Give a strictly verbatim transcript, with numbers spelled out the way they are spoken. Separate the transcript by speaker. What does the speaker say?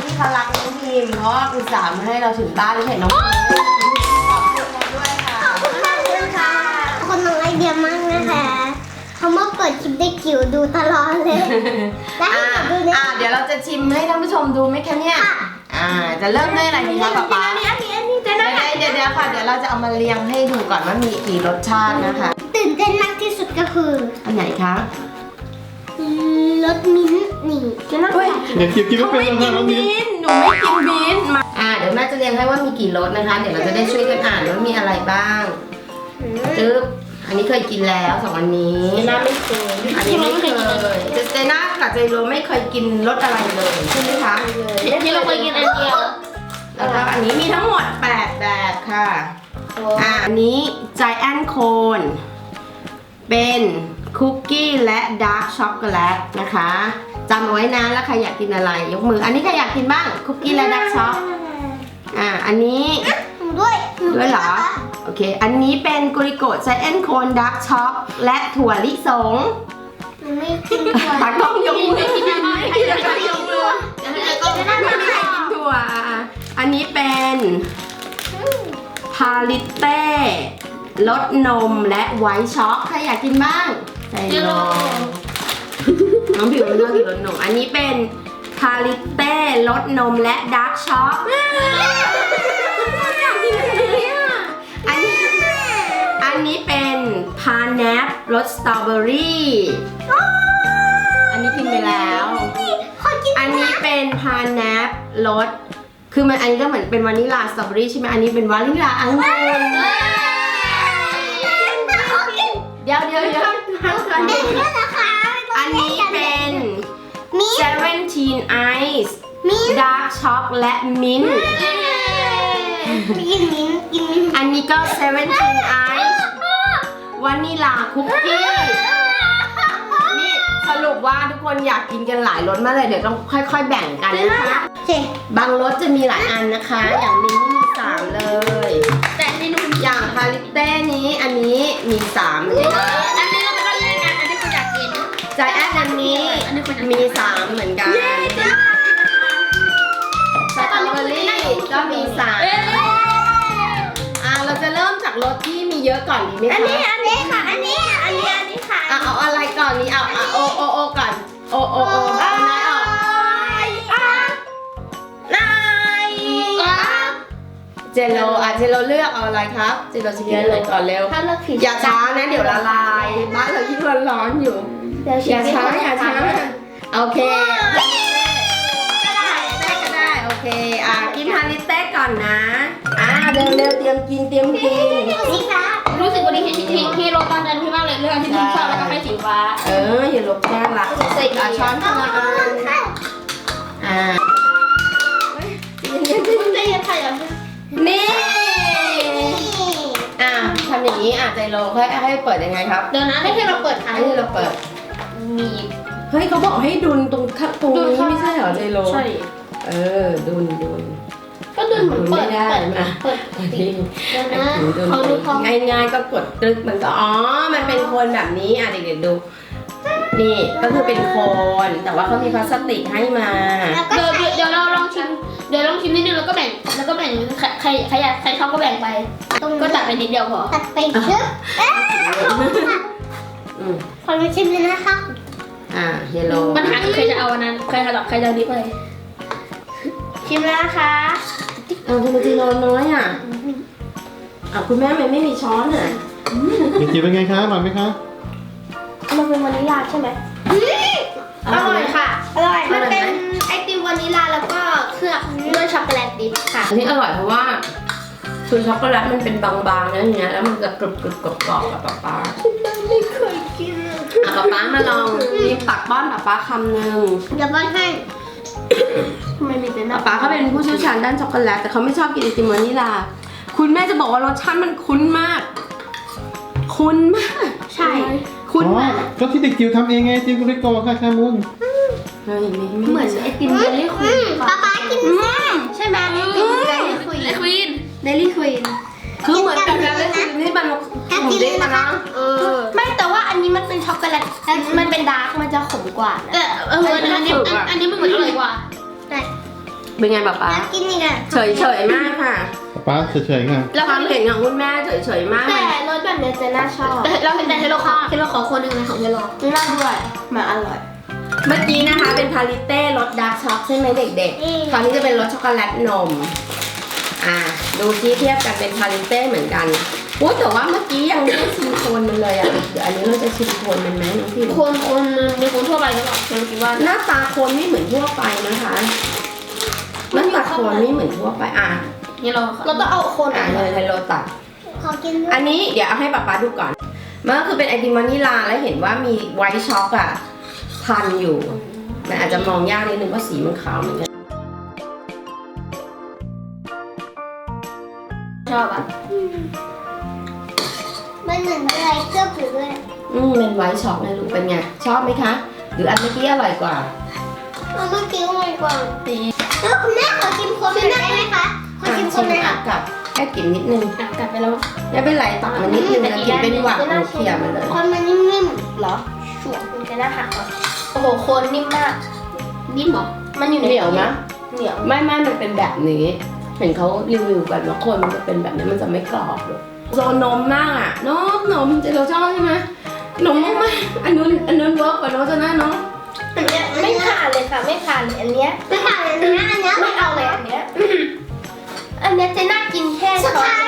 Speaker 1: ที่เขารักน้องพิมเพราะว่าอุตส่าห์มาให้เราถึงบ้านแล้วเห็นน้องพิมขอบคุณเราด้วยค่ะ
Speaker 2: ขอบคุณมากเลยค่ะคนน้องไอเดียมากนะคะเขามาเปิดคลิปได้จิ๋วดูตลอดเลยได้
Speaker 1: อ่า
Speaker 2: ดูเนี่ย
Speaker 1: อ่าเดี๋ยวเราจะชิมให้ท่านผู้ชมดูไหมคะเนี่ยอ่าจะเริ่มด้วยอะไรดีคะป๊าป๊า
Speaker 2: อันนี้อันนี้อันนี้จะ
Speaker 1: เดี๋
Speaker 2: ได้
Speaker 1: ยวเดี๋ยวเดี๋ยวค่ะเดี๋ยวเราจะเอามาเรียงให้ดูก่อนว่ามีกี่รสชาตินะคะ
Speaker 2: ตื่นเต้นมากที่สุดก็คือ
Speaker 1: อันไหนคะ
Speaker 2: รสมิ้นท์นี่จะน่า
Speaker 1: เฮ้ย
Speaker 2: กิน
Speaker 3: เด็กจิ๋วกินไม่
Speaker 1: เขา
Speaker 3: เป็น
Speaker 1: ไม่
Speaker 3: หรอก
Speaker 1: กิ
Speaker 3: นะ
Speaker 1: น
Speaker 3: น้องมิ้น
Speaker 1: บีนหนูไม่กินบีนมาอ่าเดี๋ยวแม่จะเรียงให้ว่ามีกี่รสนะคะ เดี๋ยวเราจะได้ช่วยกันอ่านว่ามีอะไรบ้างจึ๊บอันนี้เคยกินแล้วสองอันนี้
Speaker 2: น่าไม่เคย
Speaker 1: อันนี้ไม่เคยเจเจน่ากับเจโรไม่เคยกินรสอะไรเลยใช่ไหมคะ
Speaker 2: ที่เราเคยกินอันเดียว
Speaker 1: แล้วก็อันนี้มีทั้งหมดแปดแบบค่ะอ่าอันนี้ Giant Cone เป็นคุกกี้และดาร์กช็อกโกแลตนะคะจำเอาไว้นะแล้วใครอยากกินอะไรยกมืออันนี้ใครอยากกินบ้างคุกกี้และดาร์กช็อกอ่าอันนี้
Speaker 2: หนูด้วย
Speaker 1: ด้วยเหรอโอเคอันนี้เป็นกุริโกะ Giant Cone Dark Choc และถั่วลิสง
Speaker 2: หนูไม่กินถั่ว
Speaker 1: ตักต้องยกมือ
Speaker 2: ไม่กินถั่ว
Speaker 1: ใครจะยกมือไม่มีใครกินถั่วอันนี้เป็นพาลิเต้รสนมและไวท์ช็อกใครอยากกินบ้างใจโลน้องผิวมันชอบกินรสนมอันนี้เป็นพาลิเต้รสนมและดาร์กช็อกอยากกินอะไรอ่ะอันนี้อันนี้เป็นพาแนปรสสตรอเบอรี่อันนี้กินไปแล้ว
Speaker 2: ขอกิน
Speaker 1: อันนี้เป็นพาแนปรสคือมันอันนี้ก็เหมือนเป็นวานิลลาสตรอเบอรี่ใช่ไหมอันนี้เป็นวานิลลาองุ่นเดี๋ยวเดี๋ยวเดี๋ยวห้ามกันอันนี้เป็นเซเว่นทีนไอซ์ดาร์กช็อกและมิ้นท์
Speaker 2: กินมิ้นกินมิ้น
Speaker 1: อันนี้ก็เซเว่นทีนไอซ์วานิลลาคุกกี้นี่สรุปว่าทุกคนอยากกินกันหลายรสมากเลยเดี๋ยวต้องค่อยๆแบ่งกันนะคะ
Speaker 2: เจ๊
Speaker 1: บางรสจะมีหลายอันนะคะ อย่างมินนี่มีสามเลย
Speaker 2: แต่นี่หนู
Speaker 1: อย่างพาลิเต้นี้อันนี้มีสามเลยนะ
Speaker 2: อันนี้เราไม่ต้องเล่นกันอันนี้คุณอยากกิน
Speaker 1: ใจแอดอันนี้มีสามเหมือนกันสตรอเบอรี่ก็มีสามอ่าเราจะเริ่มจากรสที่มีเยอะก่อนดีไหม
Speaker 2: อัน
Speaker 1: คะ
Speaker 2: นี้อันนี้ค่ะ อันนี้อันนี้อันนี้ค่ะ
Speaker 1: อ่ะเอาอะไรก่อนนี้เอาอ่ะโอโอโอก่อนโอโอโอเอาไหนออก
Speaker 2: นาย
Speaker 1: เจโรอ่ะเจโรเลือกเอาอะไรครับเจโรจะกินอะไรก่อนเร็ว
Speaker 2: ถ้าเลือกผิด
Speaker 1: อย่าช้านะเดี๋ยวละลายบ้านเรายิ่งร้อนๆอยู่ อย่าช้าอย่าช้าโอเคก็ได้ก็ได้โอเคอ่ะกินฮาริเต้ก่อนนะอ่ะเร็วเร็วเตรียมกินเตรียมกิน
Speaker 2: นี่ค่ะ
Speaker 4: รู้สึกวันนี้เห็นที่ที่โรตอนนั้นพี่มากเลยเรื่องที่พี่ชอบแล้วก็ให้สีฟ้า
Speaker 1: เอออย่าลบแก้งละใส่อ่ะช้อนคนละอันอ่าเย็นเย็น
Speaker 2: คุณจะยังไงอ่ะ
Speaker 1: นี่อ่ะทำอย่างนี้อ่ะใจโลให้ให้เปิดยังไงครับ
Speaker 4: เดี๋ยวนะให้ให้เราเปิดท้าย
Speaker 1: ให้เราเปิด
Speaker 4: มี
Speaker 1: เฮ้ยเขาบอกให้ดุนตรงคับตรงนี้ไม่ใช่เหรอใจโล
Speaker 4: ใช่
Speaker 1: เออดุนดุน
Speaker 4: ก็ดึงเหมือนเปิด
Speaker 1: ไม่ได้
Speaker 4: เปิด
Speaker 1: นะ
Speaker 4: เปิด
Speaker 1: อันนี้
Speaker 4: เดี๋ยวนะเขาดูเขา
Speaker 1: ง่ายๆก็กดตึกมันก็อ๋อ มันเป็นโคนแบบนี้อ่ะเด็กๆดู นี่ก็คือเป็นโคนแต่ว่าเขามีพลาสติกให้มา
Speaker 2: แล้วก็
Speaker 4: เดี๋ยว
Speaker 2: ใส่
Speaker 4: เดี๋ยวเราลองชิมเดี๋ยวลองชิมนิดนึงแล้วก็แบ่งแล้วก็แบ่งใครใครใครอยากใครชอบก็แบ่งไป
Speaker 2: ตรง
Speaker 4: ก็ตัดไปนิดเดียวพอ
Speaker 2: ตัดไปชึบเอ๊ะ
Speaker 1: อืม
Speaker 2: ขอมาชิมเลยนะคะ
Speaker 1: อ่าเฮลโล
Speaker 4: ปัญหาคือใครจะเอาอันนั้นใครจะใครจะเอานี้ไป
Speaker 2: ชิมแล้วนะคะ
Speaker 1: เอาทำไมจีโรน้อยอ่ะอ่ะคุณแม่มันไม่มีช้อนอ่ะ
Speaker 3: เด็กจิ๋วเป็นไงคะอร่อยไหมคะ
Speaker 4: มันเป็นวานิลลาใช่ไหม
Speaker 2: อร่อยค่ะ อร่อย มันเป็นไอติมวานิลลาแล้วก็เคลือบด้วยช็อกโกแลตดิบค่ะ
Speaker 1: อันนี้อร่อยเพราะว่าคือช็อกโกแลตมันเป็นบางๆนะอย่างเงี้ยแล้วมันจะกรุบกรุบกรอบกรอบกับป๊าป๊า
Speaker 2: ไม่เคยกิน
Speaker 1: อ่ะป๊าป๊ามาลองนี่ตักป้อนป๊าป๊าคำหนึ่ง
Speaker 2: เดี๋ยวป้อนให้
Speaker 4: ทำไมมีแต่หน้า
Speaker 1: ป๊าป๊าเขาเป็นผู้เชี่ยวชาญด้านช็อกโกแลตแต่เขาไม่ชอบกินไอติมวานิลลาคุณแม่จะบอกว่ารสชาติมันคุ้นมาก คุ้นมาก
Speaker 2: ใช่
Speaker 1: คุ้น
Speaker 3: อ๋อ
Speaker 1: มาก
Speaker 3: ก็ที่เด็กจิ๋วทำเองไงจิ๋วกุริโกะค่ะชามุน
Speaker 1: เฮ้ยไม่
Speaker 4: เหมือนไอติมเดลี่ควีน
Speaker 2: ป๊าป๊ากินใช่ไหมไอติมเดลี่ควีน
Speaker 4: ควีน
Speaker 2: เดลี่ควีน
Speaker 1: คือเหมือนกับการเล่นนี่มันผมเด็กมานะ
Speaker 2: เออไม่แต่ว่าอันนี้มันเป็นช็อกโกแลตมันเป็นดาร์กมันจะขมกว่านะ
Speaker 4: แต่เอออันนี้อันนี้มันเหมือนอร่อยกว่า
Speaker 2: แต่
Speaker 1: เป็นไงป๊าป๊า
Speaker 2: อยากกินอีกอ่ะ
Speaker 1: เฉยเฉยๆมากค่ะ
Speaker 3: ป้าเฉยๆค่ะ
Speaker 1: แล้วความเห็นของคุณแม่เฉยเฉยๆมาก
Speaker 2: แต่รสแบบเนี้ยเจน่าชอบ
Speaker 4: แต่เราเห็นแต่เฮโลคอเฮโลขอคนหนึ่งเลยของเฮโล
Speaker 2: เจน่าด้วยมาอร่อย
Speaker 1: เมื่อกี้นะคะเป็นพาลิเต้รสดาร์กช็อกใช่ไหมเด็ก
Speaker 2: อืม
Speaker 1: ๆคราวนี้จะเป็นรสช็อกโกแลตนมอ่าดูที่เทียบกันเป็นพาลิเต้เหมือนกันโอ้แต่ว่าเมื่อกี้ยังไม่ได้ชิมโคนมันเลยอ่ะเดี๋ยวอันนี้เราจะชิมโคนมันไหมน้องพี่
Speaker 4: คนคนมันมีคนทั่วไปหรือเปล่าเราคิดว่า
Speaker 1: หน้าตาโคนไม่เหมือนทั่วไปนะคะหน้าตาโคนไม่เหมือนทั่วไปอ่ะ
Speaker 4: เฮโล
Speaker 2: เราต้องเอาคน
Speaker 1: อ่ะเลยไฮโลตัด
Speaker 2: ขอกินด้วย
Speaker 1: อันนี้เดี๋ยวเอาให้ป๊าป๊าดูก่อน มันก็คือเป็นไอติมวานิลาแล้วเห็นว่ามีไวท์ช็อกอะพันอยู่ มันอาจจะมองยากนิดนึงว่าสีมันขาวเหมือนกัน
Speaker 4: ชอบอ่ะ
Speaker 2: มันเหมือนอะไรเคลือบอยู่ด้วย
Speaker 1: อืมเป็นไวท์ช็อกนะลูกเป็นไง ชอบไหมคะ หรืออันเมื่อกี้อร่อยกว่า
Speaker 2: เอาเมื่อกี้อร่อยกว่าแล้วคุณแม่ขอกินคนหน่อยได้ไหมคะขอกินคนหน่อย
Speaker 1: อ่ะ
Speaker 2: ค่ะ
Speaker 1: กับแค่กินนิดนึง
Speaker 4: อ่ะกลับไปแล้ว
Speaker 1: ไม่เป็นไรตักมันนิดนึงนะกินเป็นหวัดหนูเขี่ยมันเลย
Speaker 2: คนมันนิ่ม
Speaker 4: เหรอชัวร์คุณจะน่าหักก่อนโอ้โหโคนนิ่มมากนิ่มเหรอมันอยู่ใน
Speaker 1: เหนียวนะ
Speaker 4: เหนียว
Speaker 1: ไม่ไม่มันเป็นแบบนี้ เห็นเขารีวิวกันว่าคนมันจะเป็นแบบนี้มันจะไม่กรอบเลยโซนนมมากอ่ะนมนมจะเราชอบใช่ไหมนมมากๆอันนู้นอันนู้นเวิร์กกว่าโน้ตจะน่าเนาะ
Speaker 4: อันเนี้ยไม่ผ่านเลยค่ะไม่ผ่านเลยอันเนี้ย
Speaker 2: ๆไม่ผ่านอันนี้อันเนี้ย
Speaker 4: ไม่เอาเลยอันเนี้ยอันเนี้ยเจะน่ากินแค่
Speaker 2: สุด
Speaker 4: ช้อน
Speaker 2: ท้าย